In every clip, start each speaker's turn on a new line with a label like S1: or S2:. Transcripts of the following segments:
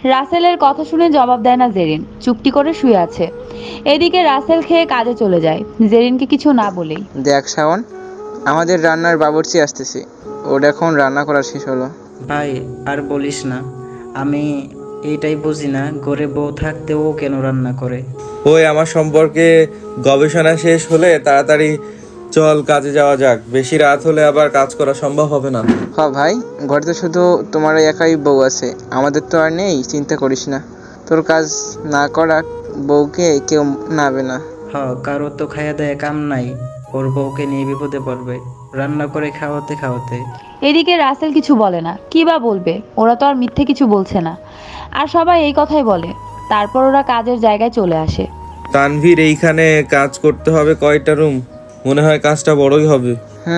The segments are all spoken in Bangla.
S1: রাসেলের কথা শুনে জবাব দেয় না জেরিন, চুপটি করে শুয়ে আছে। এদিকে রাসেল খেয়ে কাজে চলে যায়, জেরিনকে কিছু না বলেই।
S2: দেখ শাওন, আমাদের রান্নার বাবুর্চি আসতেছে। ওর এখন রান্না করা শেষ হলো।
S3: ভাই আর বলিস না, আমি এইটাই বুঝি না ঘরে বউ থাকতেও ও কেন রান্না করে।
S4: ওই আমার সম্পর্কে গবেষণা শেষ হলে তাড়াতাড়ি চল কাজে যাওয়া যাক, বেশি রাত হলে আবার কাজ করা সম্ভব হবে না।
S2: ভাই, ঘরে তো শুধু তোমার একাই বউ আছে, আমাদের তো আর নেই, চিন্তা করিস না। তোর কাজ না করা বউকে কেউ নাবে না।
S3: কারো তো খাইয়া দেয় কাম নাই, ওর বউকে নিয়ে বিপদে পড়বে রান্না করে খাওয়াতে খাওয়াতে।
S1: এদিকে রাসেল কিছু বলে না, কি বা বলবে, ওরা তো আর মিথ্যে কিছু বলছে না, আর সবাই এই কথাই বলে। তারপর ওরা কাজের জায়গায় চলে আসে।
S4: তানভীর, এইখানে কাজ করতে হবে কয়টা রুম? মনে হয় কাজটা বড়ই হবে।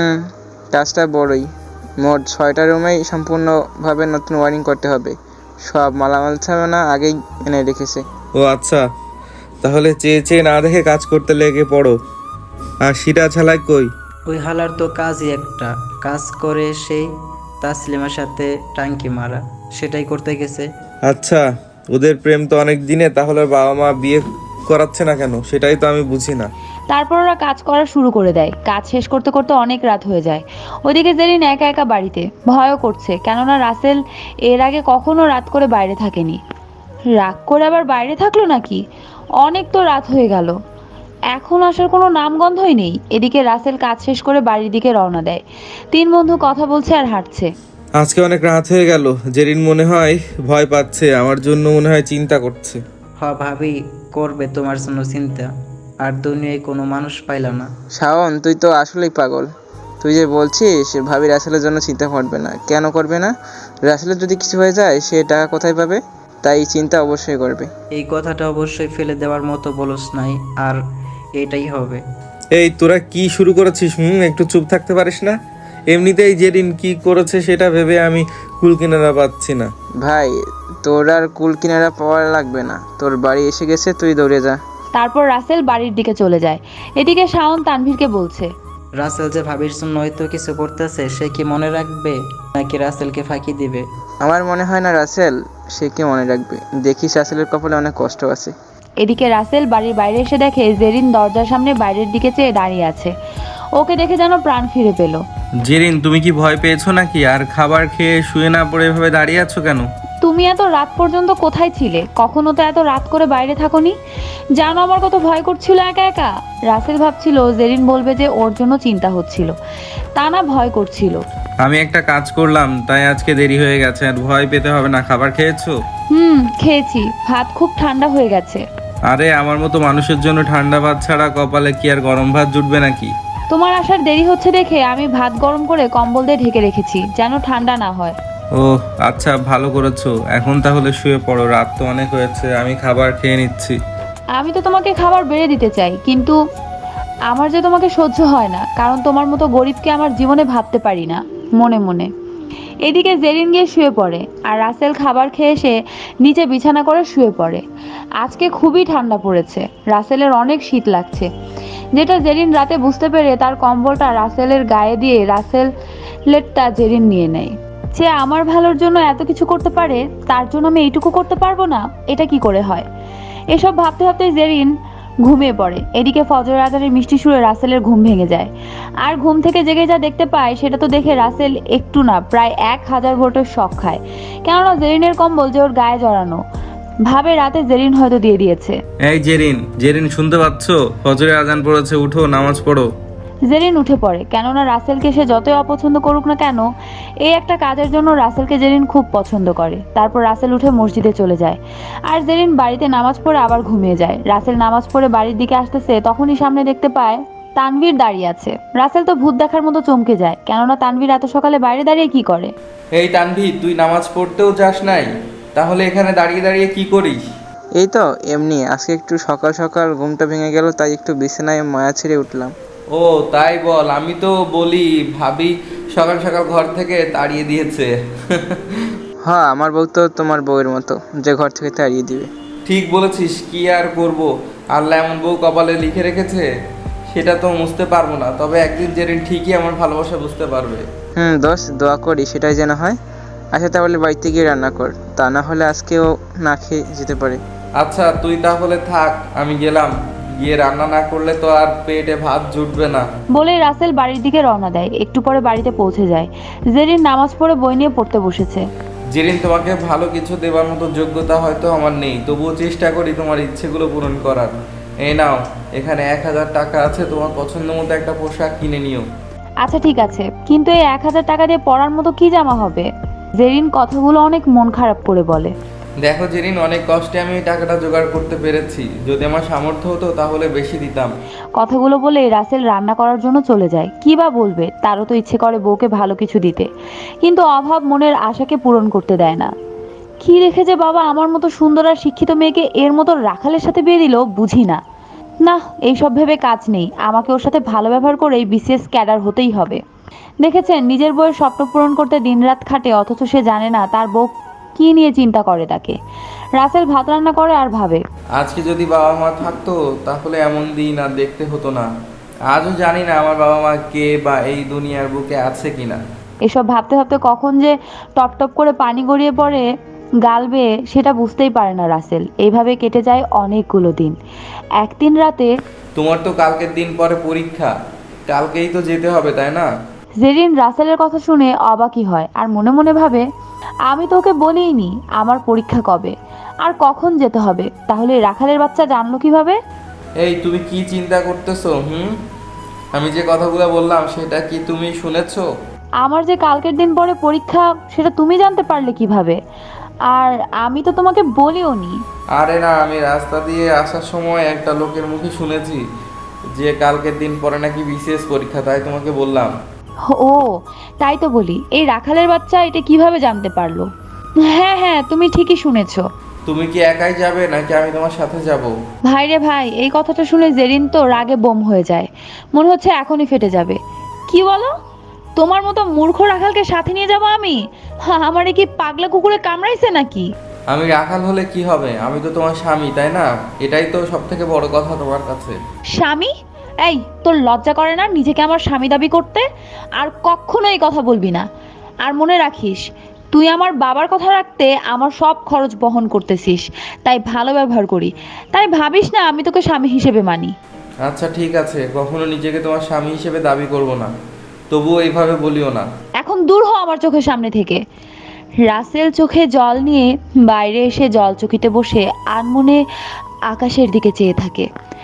S2: কাজটা বড়ই, মোট 6টা রুমেই সম্পূর্ণভাবে নতুন ওয়ারিং করতে হবে। সব মালামাল সামানা আগেই এনে রেখেছে।
S4: ও আচ্ছা, তাহলে চেয়ে চেয়ে না দেখে কাজ করতে লেগে পড়ো। আর সিটা ছালাই কই?
S3: ওই হালার তো কাজই একটা, কাজ করে সেই তাসলিমার সাথে টাঙ্কি মারা, সেটাই করতে গেছে।
S4: আচ্ছা, ওদের প্রেম তো অনেক দিনে, তাহলে ওর বাবা মা বিয়ে করাচ্ছে না কেন, সেটাই তো আমি বুঝি না।
S1: তারপর ওরা কাজ করা শুরু করে দেয়। কাজ শেষ করতে করতে অনেক রাত হয়ে যায়। ওইদিকে জেরিন একা একা বাড়িতে, ভয়ও করছে, কেননা রাসেল এর আগে কখনো রাত করে বাইরে থাকেনি। রাগ করে আবার বাইরে থাকলো নাকি? অনেক তো রাত হয়ে গেল, এখন আসার কোনো নামগন্ধই নেই। এদিকে রাসেল কাজ শেষ করে বাড়ির দিকে রওনা দেয়। তিন বন্ধু কথা বলছে আর হাঁটছে।
S4: আজকে অনেক রাত হয়ে গেল, জেরিন মনে হয় ভয় পাচ্ছে, আমার জন্য মনে হয় চিন্তা করছে।
S3: ভাবি করবে তোমার জন্য চিন্তা, আর দুনিয়ায় কোনো মানুষ পাইলা না।
S2: শাওন, তুই তো আসলেই পাগল। তুই যে বলছিস ভাবি রাসেলের জন্য চিন্তা করবে না, কেন করবে না? রাসেলের যদি কিছু হয়ে যায় সে টাকা কোথায় পাবে? তাই চিন্তা অবশ্যই করবে।
S3: এই কথাটা অবশ্যই ফেলে দেওয়ার মতো বলস নাই, আর এটাই হবে।
S4: এই তোরা কি শুরু করেছিস? একটু চুপ থাকতে পারিস না? এমনিতেই জেরিন কি করেছে সেটা ভেবে আমি কুল কিনারা পাচ্ছি না।
S2: ভাই, তোর আর কুল কিনারা পাওয়া লাগবে না, তোর বাড়ি এসে গেছে, তুই দৌড়ে যা।
S1: তারপর রাসেল বাড়ির দিকে চলে যায়। এদিকে শাওন তানভীরকে বলছে,
S3: রাসেল যে ভাবির জন্য হয়তো কিছু করতেছে, সে কি মনে রাখবে নাকি রাসেলকে ফাঁকি দিবে?
S2: আমার মনে হয় না রাসেল সে কি মনে রাখবে। দেখিস রাসেলের কপালে অনেক কষ্ট আছে।
S1: এদিকে রাসেল বাড়ির বাইরে এসে দেখে জেরিন দরজার সামনে বাইরের দিকে চেয়ে দাঁড়িয়ে আছে। ওকে দেখে যেন প্রাণ ফিরে পেল।
S4: জেরিন, তুমি কি ভয় পেয়েছো নাকি? আর খাবার খেয়ে শুয়ে না পড়ে এভাবে দাঁড়িয়ে আছো কেন?
S1: তুমি এত রাত পর্যন্ত কোথায় ছিলে? কখনো তো এত রাত করে বাইরে থাকোনি। জানো আমার কত ভয় করছিল একা একা। রাসেল ভাবছিল জেরিন বলবে যে ওর জন্য চিন্তা হচ্ছিল, তা না ভয় করছিল।
S4: আমি একটা কাজ করলাম তাই আজকে দেরি হয়ে গেছে, আর ভয় পেতে হবে না। খাবার খেয়েছো?
S1: খেয়েছি, ভাত খুব ঠান্ডা হয়ে গেছে।
S4: আরে আমার মতো মানুষের জন্য ঠান্ডা ভাত ছাড়া কপালে কি আর গরম ভাত জুটবে নাকি?
S1: তোমার আসার দেরি হচ্ছে দেখে আমি ভাত গরম করে কম্বল দিয়ে ঢেকে রেখেছি, যেন ঠান্ডা না হয়।
S4: ও আচ্ছা, ভালো করেছো। এখন তাহলে শুয়ে পড়ো, রাত তো অনেক হয়েছে, আমি খাবার খেয়ে নিচ্ছি।
S1: আমি তো তোমাকে খাবার বেড়ে দিতে চাই, কিন্তু আমার যে তোমাকে সহ্য হয় না, কারণ তোমার মতো গরিবকে আমার জীবনে ভাবতে পারি না মনে মনে। এদিকে জেরিন গিয়ে শুয়ে পড়ে, আর রাসেল খাবার খেয়ে এসে নিচে বিছানা করে শুয়ে পড়ে। আজকে খুবই ঠান্ডা পড়েছে, রাসেলের অনেক শীত লাগছে, যেটা জেরিন রাতে বুঝতে পেরে তার কম্বলটা রাসেলের গায়ে দিয়ে রাসেলেরটা জেরিন নিয়ে নেয়। যে আমার ভালোর জন্য এত কিছু করতে পারে, তার জন্য আমি এইটুকু করতে পারবো না, এটা কি করে হয়? এসব ভাবতে ভাবতে জেরিন ঘুমিয়ে পড়ে। এদিকে ফজরের আজানের মিষ্টি সুরে রাসেলের ঘুম ভেঙে যায়, আর ঘুম থেকে জেগে যা দেখতে পায় সেটা তো দেখে রাসেল একটু না প্রায় 1000 ভোল্টের শক খায়। কেননা জেরিনের কম্বল যে ওর গায়ে জড়ানো, ভাবে রাতে জেরিন হয়তো দিয়ে দিয়েছে।
S4: এই জেরিন, জেরিন শুনতে পাচ্ছো? ফজরের আজান পড়েছে, উঠো, নামাজ পড়ো।
S1: জেরিন উঠে পড়ে, কেননা রাসেলকে সে যতই অপছন্দ করুক না কেন, এই একটা কাজের জন্য রাসেলকে জেরিন খুব পছন্দ করে। তারপর রাসেল উঠে মসজিদে চলে যায়, আর জেরিন বাড়িতে নামাজ পড়ে আবার ঘুমিয়ে যায়। রাসেল নামাজ পড়ে বাড়ির দিকে আসতেছে, তখনই সামনে দেখতে পায় তানভীর দাঁড়িয়ে আছে। রাসেল তো ভূত দেখার মতো চমকে যায়, কেননা তানভীর এত সকালে বাইরে দাঁড়িয়ে কি করে?
S4: এই তানভীর, তুই নামাজ পড়তেও যাস নাই, তাহলে এখানে দাঁড়িয়ে দাঁড়িয়ে কি করিস?
S2: এই তো এমনি, আজকে একটু সকাল সকাল ঘুমটা ভেঙে গেল, তাই একটু বিছানায় মায়া ছেড়ে উঠলাম।
S4: ও তাই বল, আমি তো বলি ভাবি সকাল সকাল ঘর থেকে তাড়িয়ে দিয়েছে।
S2: হ্যাঁ, আমার বউ তো তোমার বউয়ের মতো, যে ঘর থেকে তাড়িয়ে দিবে।
S4: ঠিক বলেছিস, কি আর করব, আল্লাহ এমন বউ কপালে লিখে রেখেছে, সেটা তো মুছতে পারবো না। তবে একদিন জেরিন ঠিকই আমার ভালোবাসা বুঝতে পারবে।
S2: দোস্ত, দোয়া করি সেটাই যেন হয়। আচ্ছা তাহলে বাড়িতে গিয়ে রান্না কর, তা না হলে আজকেও না খেয়ে যেতে পারে।
S4: আচ্ছা তুই তাহলে থাক, আমি গেলাম। গিয়ে রান্না না করলে তো আর পেটে ভাত জুটবে না।
S1: বলে রাসেল বাড়ির দিকে রওনা দেয়। একটু পরে বাড়িতে পৌঁছে যায়। জেরিন নামাজ পড়ে বই নিয়ে পড়তে বসেছে।
S4: জেরিন, তোমাকে ভালো কিছু দেবার মতো যোগ্যতা হয়তো আমার নেই, তবুও চেষ্টা করি তোমার ইচ্ছেগুলো পূরণ করার। এই নাও, এখানে 1000 টাকা আছে, তোমার পছন্দ মতো একটা পোশাক কিনে নিও।
S1: আচ্ছা ঠিক আছে, কিন্তু এই 1000 টাকা দিয়ে পড়ার মতো কি জামা হবে? জেরিন কথাগুলো অনেক মন খারাপ করে বলে।
S4: দেখো জেরিন, অনেক কষ্টে আমি এই টাকাটা জোগাড় করতে পেরেছি, যদি আমার সামর্থ্য হতো তাহলে বেশি দিতাম।
S1: কথাগুলো বলে রাসেল রান্না করার জন্য চলে যায়। কি বা বলবে, তারও তো ইচ্ছে করে বউকে ভালো কিছু দিতে, কিন্তু অভাব মনের আশাকে পূরণ করতে দেয় না। কি রেখে যে বাবা আমার মতো সুন্দর আর শিক্ষিত মেয়েকে এর মতো রাখালের সাথে বিয়ে দিল, বুঝি না। না, এইসব ভেবে কাজ নেই, আমাকে ওর সাথে ভালো ব্যবহার করেই বিসিএস ক্যাডার হতেই হবে। দেখেছেন, নিজের বউয়ের স্বপ্ন পূরণ করতে দিনরাত খাটে, অথচ সে জানে না তার বউ কি নিয়ে চিন্তা করে তাকে। রাসেল ভাত রান্না করে আর ভাবে,
S4: আজকে যদি বাবা মা থাকতো তাহলে এমন দিন আর দেখতে হতো না। আজও জানি না আমার বাবা মা কে বা এই দুনিয়ার বুকে আছে কিনা।
S1: এসব ভাবতে ভাবতে কখন যে টপ টপ করে পানি গড়িয়ে পড়ে গাল বেয়ে সেটা বুঝতেই পারে না রাসেল। এইভাবে কেটে যায় অনেকগুলো দিন। একদিন রাতে
S4: তোমার তো কালকের দিন পরে পরীক্ষা, কালকেই তো যেতে হবে তাই না?
S1: জেরিন রাসেলের কথা শুনে অবাকই হয় আর মনে মনে ভাবে, আমি তোকে বলিনি আমার পরীক্ষা কবে আর কখন যেতে হবে, তাহলে রাখালের বাচ্চা জানলো কিভাবে?
S4: এই তুমি কি চিন্তা করতেছো? আমি যে কথাগুলো বললাম সেটা কি তুমি শুনেছো?
S1: আমার যে কালকের দিন পরে পরীক্ষা সেটা তুমি জানতে পারলে কিভাবে? আর আমি তো তোমাকে বলিও নি।
S4: আরে না, আমি রাস্তা দিয়ে আসার সময় একটা লোকের মুখে শুনেছি যে কালকের দিন পরে নাকি বিসিএস পরীক্ষা, তাই তোমাকে বললাম।
S1: ও, তাই তো বলি, এই রাখালের বাচ্চা এটা কিভাবে জানতে পারলো? হ্যাঁ হ্যাঁ, তুমি ঠিকই শুনেছো।
S4: তুমি কি একাই যাবে নাকি আমি তোমার সাথে যাব?
S1: ভাই রে ভাই, এই কথাটা শুনে জেরিন তো রাগে বোম হয়ে যায়। মনে হচ্ছে এখনই ফেটে যাবে। কি বলো? তোমার মতো মূর্খ রাখালকে সাথে নিয়ে যাবো আমি? হ্যাঁ, আমারে কি পাগলা কুকুরে কামড়াইছে নাকি?
S4: আমি রাখাল হলে কি হবে, আমি তো তোমার স্বামী তাই না? এটাই তো সব থেকে বড় কথা তোমার কাছে।
S1: স্বামী? এই, তোর লজ্জা করে না নিজেকে আমার স্বামী দাবি করতে? আর কখনো এই কথা বলবি না। আর মনে রাখিস, তুই আমার বাবার কথা রাখতে আমার সব খরচ বহন করতেছিস, তাই ভালো ব্যবহার করি। তাই ভাবিস না আমি তোকে স্বামী হিসেবে মানি।
S4: আচ্ছা ঠিক আছে, কখনো নিজেকে তোমার স্বামী হিসেবে দাবি করব না, তবুও এইভাবে বলিও না।
S1: এখন দূর হ আমার চোখের সামনে থেকে। রাসেল চোখে জল নিয়ে বাইরে এসে জলচকিতে বসে আনমনে আকাশের দিকে চেয়ে থাকে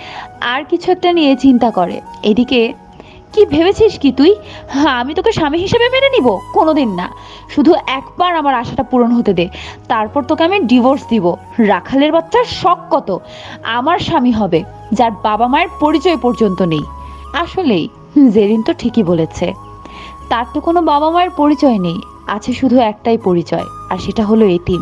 S1: আর কিছু একটা নিয়ে চিন্তা করে। এদিকে, কি ভেবেছিস কি তুই? হ্যাঁ, আমি তোকে স্বামী হিসেবে মেনে নিব? কোনোদিন না। শুধু একবার আমার আশাটা পূরণ হতে দে, তারপর তোকে আমি ডিভোর্স দিব। রাখালের বাচ্চার শখ কত আমার স্বামী হবে, যার বাবা মায়ের পরিচয় পর্যন্ত নেই। আসলেই জেরিন তো ঠিকই বলেছে, তার তো কোনো বাবা মায়ের পরিচয় নেই, আছে শুধু একটাই পরিচয়, আর সেটা হলো এতিম।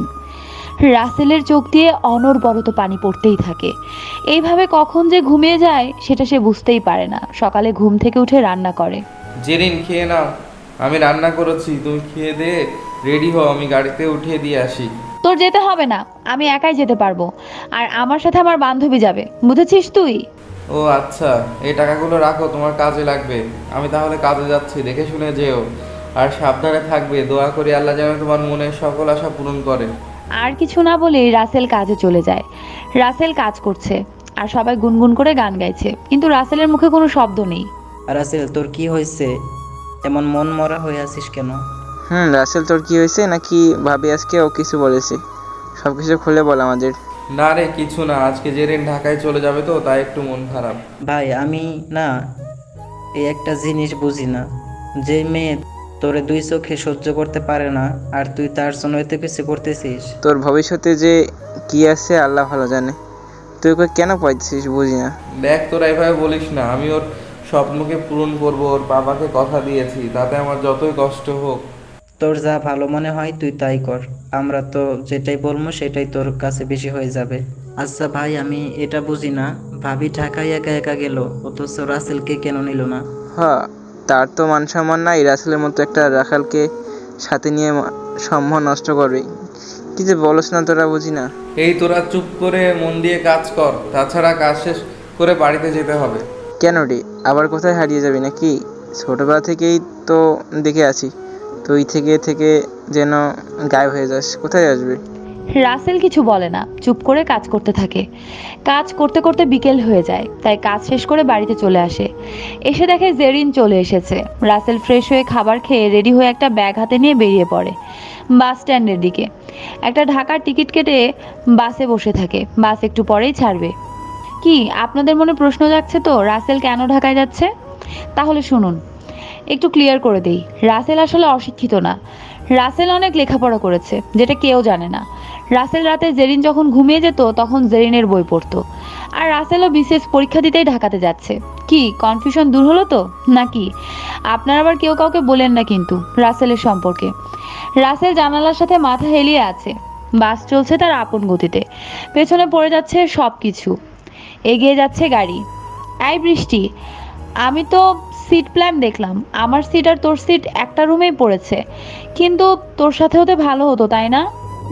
S1: রাসেলের চোখ দিয়ে অনবরত পানি পড়তেই থাকে। এইভাবে কখন যে ঘুমিয়ে যায় সেটা সে বুঝতেই পারে না। সকালে ঘুম থেকে উঠে রান্না করে।
S4: জেরিন খেয়ে নাও, আমি রান্না করেছি, তুমি খেয়ে দে রেডি হও, আমি গাড়িতে উঠিয়ে দিয়ে আসি।
S1: তোর যেতে হবে না, আমি একাই যেতে পারবো, আর আমার সাথে আমার বান্ধবী যাবে, বুঝেছিস তুই?
S4: ও আচ্ছা, এই টাকাগুলো রাখো, তোমার কাজে লাগবে। আমি তাহলে কাজে যাচ্ছি, দেখে শুনে যেও, আর সাবধানে থাকবে। দোয়া করি আল্লাহ যেন তোমার মনের সকল আশা পূরণ করে।
S1: আর কিছু না বলেই রাসেল কাজে চলে যায়। রাসেল কাজ করছে আর সবাই গুনগুন করে গান গাইছে, কিন্তু রাসেলের মুখে কোনো শব্দ নেই।
S3: রাসেল, তোর কি হয়েছে? এমন মন মরা হয়ে আছিস কেন?
S2: রাসেল তোর কি হয়েছে? নাকি ভাবি আজকে ও কিছু বলেছে? সব কিছু খুলে বল আমাদের।
S4: না রে, কিছু না, আজকে জেরিন ঢাকায় চলে যাবে তো তাই একটু মন খারাপ।
S3: ভাই, আমি না এই একটা জিনিস বুঝি না, যে মেয়ে তোরে দুই চোখে সহ্য করতে পারে না, আর তুই তার জন্য এত কিছু করতেছিস।
S2: তোর ভবিষ্যতে যে কি আছে আল্লাহ ভালো জানে, তুই ওকে কেন পাইছিস বুঝি না।
S4: দেখ, তোরা এভাবে বলিস না, আমি ওর স্বপ্নকে পূরণ করব, ওর বাবাকে কথা দিয়েছি, তাতে আমার যতই কষ্ট হোক।
S3: তোর যা ভালো মনে হয় তুই তাই কর, আমরা তো যেটাই বলবো সেটাই তোর কাছে বেশি হয়ে যাবে। আচ্ছা ভাই, আমি এটা বুঝি না, ভাবি ঢাকায় একা একা গেল, অথচ রাসেলকে কেন নিল না?
S2: হ্যাঁ, তার তো মান সম্মান নাই, রাসেলের মতো একটা রাখালকে সাথে নিয়ে সম্মান নষ্ট করবে। কি যে বলস না তোরা, বুঝি না।
S4: এই তোরা চুপ করে মন দিয়ে কাজ কর, তাছাড়া কাজ শেষ করে বাড়িতে যেতে হবে।
S2: কেন রে, আবার কোথায় হারিয়ে যাবি নাকি? ছোটবেলা থেকেই তো দেখে আছি তুই থেকে থেকে যেন গায়েব হয়ে যাস, কোথায় আসবে?
S1: রাসেল কিছু বলে না, চুপ করে কাজ করতে থাকে। কাজ করতে করতে বিকেল হয়ে যায়, তাই কাজ শেষ করে বাড়িতে চলে আসে। এসে দেখে জেরিন চলে এসেছে। রাসেল ফ্রেশ হয়ে খাবার খেয়ে রেডি হয়ে একটা ব্যাগ হাতে নিয়ে বেরিয়ে পড়ে বাস স্ট্যান্ডের দিকে। একটা ঢাকার টিকিট কেটে বাসে বসে থাকে। বাস একটু পরেই ছাড়বে। কি আপনাদের মনে প্রশ্ন জাগছে তো রাসেল কেন ঢাকায় যাচ্ছে? তাহলে শুনুন, একটু ক্লিয়ার করে দেই। রাসেল আসলে অশিক্ষিত না। রাসেল অনেক লেখাপড়া করেছে, যেটা কেউ জানে না। রাসেল রাতে জেরিন যখন ঘুমিয়ে যেত তখন জেরিনের বই পড়তো। আর রাসেলও বিশেষ পরীক্ষা দিতেই ঢাকাতে যাচ্ছে। কি কনফিউশন দূর হলো তো নাকি? আপনারা আবার কেউ কাউকে বলেন না কিন্তু রাসেলের সম্পর্কে। রাসেল জানালার সাথে মাথা হেলিয়ে আছে। বাস চলছে তার আপন গতিতে। পেছনে পড়ে যাচ্ছে সব কিছু। এগিয়ে যাচ্ছে গাড়ি। এই বৃষ্টি, আমি তো সিট প্ল্যান দেখলাম। আমার সিট আর তোর সিট একটা রুমেই পড়েছে, কিন্তু তোর সাথে হতে ভালো হতো, তাই না?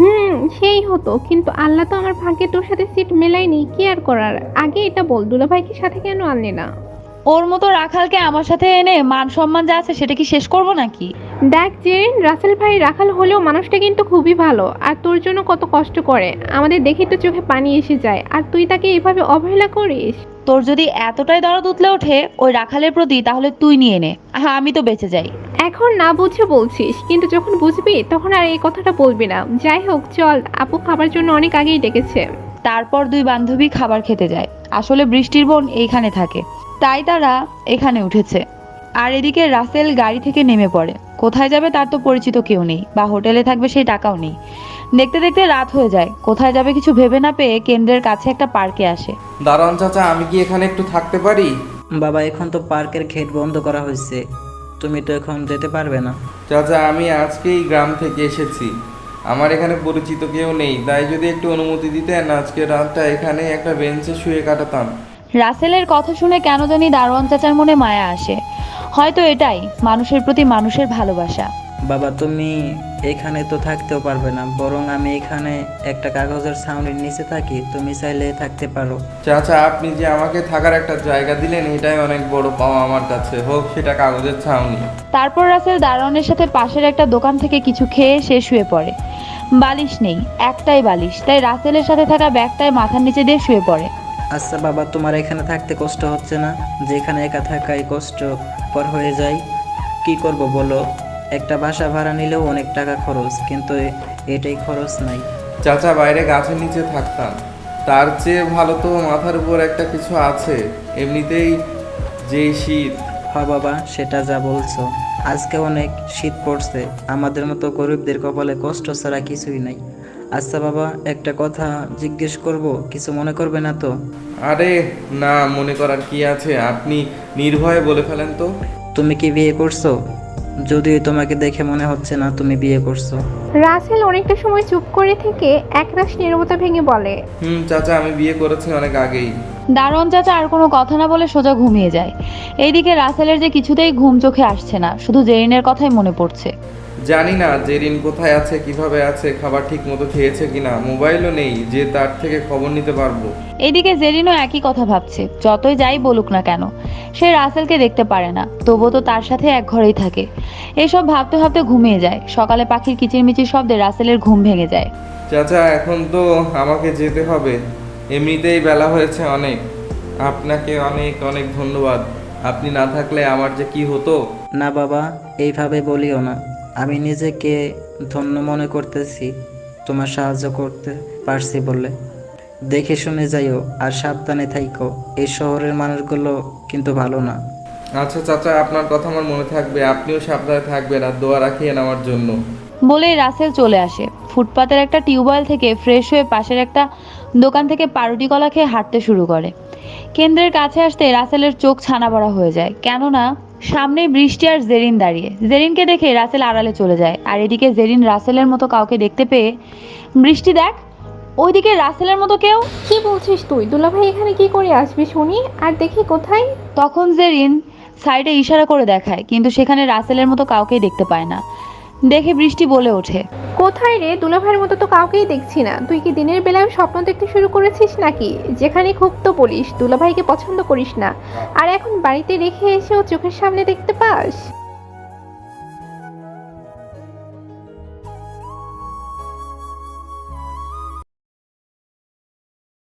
S5: সেই হতো, কিন্তু আল্লাহ তো আমার ভাগ্যে তোর সাথে সিট মেলায়নি, কি আর করার। আগে এটা বল, দুলাভাইকে সাথে কেন আনলি না?
S1: ওর মতো রাখালকে আমার সাথে এনে মান সম্মান যা আছে সেটা কি শেষ করব নাকি?
S5: দেখ জেরিন, রাসেল ভাই রাখাল হলেও মানুষটা কিন্তু খুবই ভালো, আর তোর জন্য কত কষ্ট করে। আমাদের দেখেই তো চোখে পানি এসে যায়, আর তুই তাকে এভাবে অবহেলা করিস।
S1: তোর যদি এতটাই দরদ উতলে ওঠে ওই রাখালের প্রতি, তাহলে তুই নিয়ে নে। হ্যাঁ, আমি তো বেঁচে যাই।
S5: এখন না বুঝে বলছিস, কিন্তু যখন বুঝবি তখন আর এই কথাটা বলবি না। যাই হোক চল, আপু খাবার জন্য অনেক আগেই ডেকেছে।
S1: তারপর দুই বান্ধবী খাবার খেতে যায়। আসলে বৃষ্টির বোন এইখানে থাকে, তাই তারা এখানে উঠেছে। আর এদিকে রাসেল গাড়ি থেকে নেমে পড়ে। কোথায় যাবে তার তো পরিচিত কেউ নেই, বা হোটেলে থাকবে সেই টাকাও নেই। দেখতে দেখতে রাত হয়ে যায়। কোথায় যাবে কিছু ভেবে না পেয়ে কেন্দ্রের কাছে একটা পার্কে আসে।
S4: দারোয়ান চাচা, আমি কি এখানে একটু থাকতে পারি?
S3: বাবা, এখন তো পার্কের গেট বন্ধ করা হয়েছে, তুমি তো এখন যেতে পারবে না।
S4: চাচা, আমি আজকেই গ্রাম থেকে এসেছি। আমার এখানে পরিচিত কেউ নেই, তাই যদি একটু অনুমতি দিতেন আজকে রাতটা এখানে একটা বেঞ্চে শুয়ে কাটাতাম।
S1: রাসেলের কথা শুনে কেন জানি দারোয়ান চাচার মনে মায়া আসে। হয়তো এটাই মানুষের প্রতি মানুষের ভালোবাসা।
S3: বাবা, তুমি এখানে তো থাকতেও পারবে না, বরং আমি এখানে একটা কাগজের ছাউনির নিচে থাকি, তুমি চাইলে থাকতে পারো।
S4: চাচা, আপনি যে আমাকে থাকার একটা জায়গা দিলেন এটাই অনেক বড় পাওয়া আমার কাছে, হোক সেটা কাগজের ছাউনি।
S1: তারপর রাসেল দারোয়ানের সাথে পাশের একটা দোকান থেকে কিছু খেয়ে সে শুয়ে পড়ে। বালিশ নেই, একটাই বালিশ, তাই রাসেলের সাথে থাকা ব্যাগটায় মাথার নিচে দিয়ে শুয়ে পড়ে।
S3: আচ্ছা বাবা, তোমার এখানে থাকতে কষ্ট হচ্ছে না? যেখানে একা থাকাই কষ্টকর হয়ে যায়। কি করব বলো, একটা বাসা ভাড়া নিলেও অনেক টাকা খরচ, কিন্তু এটাই খরচ নাই।
S4: চাচা, বাইরে গাছের নিচে থাকতাম, তার চেয়ে ভালো তো মাথার উপর একটা কিছু আছে। এমনিতেই যেই শীত।
S3: হ্যাঁ বাবা, সেটা যা বলছো। আজকে অনেক শীত পড়ছে, আমাদের মতো গরিবদের কপালে কষ্ট ছাড়া কিছুই নাই। আচ্ছা বাবা, একটা কথা জিজ্ঞেস করব, কিছু মনে করবে না তো?
S4: আরে না, মনে করার কি আছে, আপনি নির্ভয়ে বলে ফেলেন তো।
S3: তুমি কি বিয়ে করছো? যদিও তোমাকে দেখে মনে হচ্ছে না তুমি বিয়ে করছো।
S5: রাসেল অনেকটা সময় চুপ করে থেকে একরাশ নীরবতা ভেঙে বলে,
S4: চাচা, আমি বিয়ে করেছি অনেক আগেই।
S1: দারোয়ান চাচা আর কোনো কথা না বলে সোজা ঘুমিয়ে যায়। এইদিকে রাসেলের যে কিছুতেই ঘুম চোখে আসছে না, শুধু জেরিনের কথাই মনে পড়ছে।
S4: জানি না জেরিন কোথায় আছে, কিভাবে আছে, খাবার ঠিক মতো খেয়েছে কিনা, মোবাইলও নেই যে তার থেকে খবর নিতে পারবো।
S1: এইদিকে জেরিনও একই কথা ভাবছে। যতই যাই বলুক না কেন, সে রাসেলকে দেখতে পারে না, তবুও তো তার সাথে এক ঘরেই থাকে। এইসব ভাবতে ভাবতে ঘুমিয়ে যায়। সকালে পাখির কিচিরমিচির শব্দে রাসেলের ঘুম ভেঙে যায়।
S4: চাচা, এখন তো আমাকে যেতে হবে, এমনিতেই বেলা হয়েছে অনেক। আপনাকে অনেক অনেক ধন্যবাদ, আপনি না থাকলে আমার যে কি হতো।
S3: না বাবা, এইভাবে বলিও না। আমি নিজেকে ধন্য মনে করতেছি তোমার সাহায্য করতে পারছি বলে। দেখে শুনে যাইও আর সাবধানে থাইকো, এই শহরের মানুষগুলো কিন্তু ভালো না।
S4: আচ্ছা চাচা, আপনার কথা আমার মনে থাকবে, আপনিও সাবধানে থাকবেন আর দোয়া রাখিয়েন আমার জন্য।
S1: বলেই রাসেল চলে আসে। ফুটপাতের একটা টিউবওয়েল থেকে ফ্রেশ হয়ে পাশের একটা দোকান থেকে পাউরুটি কলা খেয়ে হাঁটতে শুরু করে। কেন্দ্রের কাছে আসতে রাসেলের চোখ ছানা বড়া হয়ে যায়, কেননা সামনেই বৃষ্টি আর জেরিন দাঁড়িয়ে। জেরিনকে দেখে রাসেল আড়ালে চলে যায়। আর এদিকে জেরিন রাসেলের মতো কাউকে দেখতে পেয়ে, বৃষ্টি দেখ, ওইদিকে রাসেলের মতো কেউ।
S5: কি বলছিস তুই? দুলাভাই এখানে কি করে আসবি শুনি, আর দেখি কোথায়।
S1: তখন জেরিন সাইডে ইশারা করে দেখায়, কিন্তু সেখানে রাসেলের মতো কাউকেই দেখতে পায় না। দেখে বৃষ্টি বলে ওঠে,
S5: কোথায় রে? দুলাভাইয়ের মতো তো কাউকেই দেখছি না। তুই কি দিনের বেলায় স্বপ্ন দেখতে শুরু করেছিস নাকি? যেখানে খুব তো বলিস দুলাভাইকে পছন্দ করিস না, আর এখন বাড়িতে রেখে এসেও চোখের সামনে দেখতে পাস।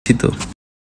S6: তো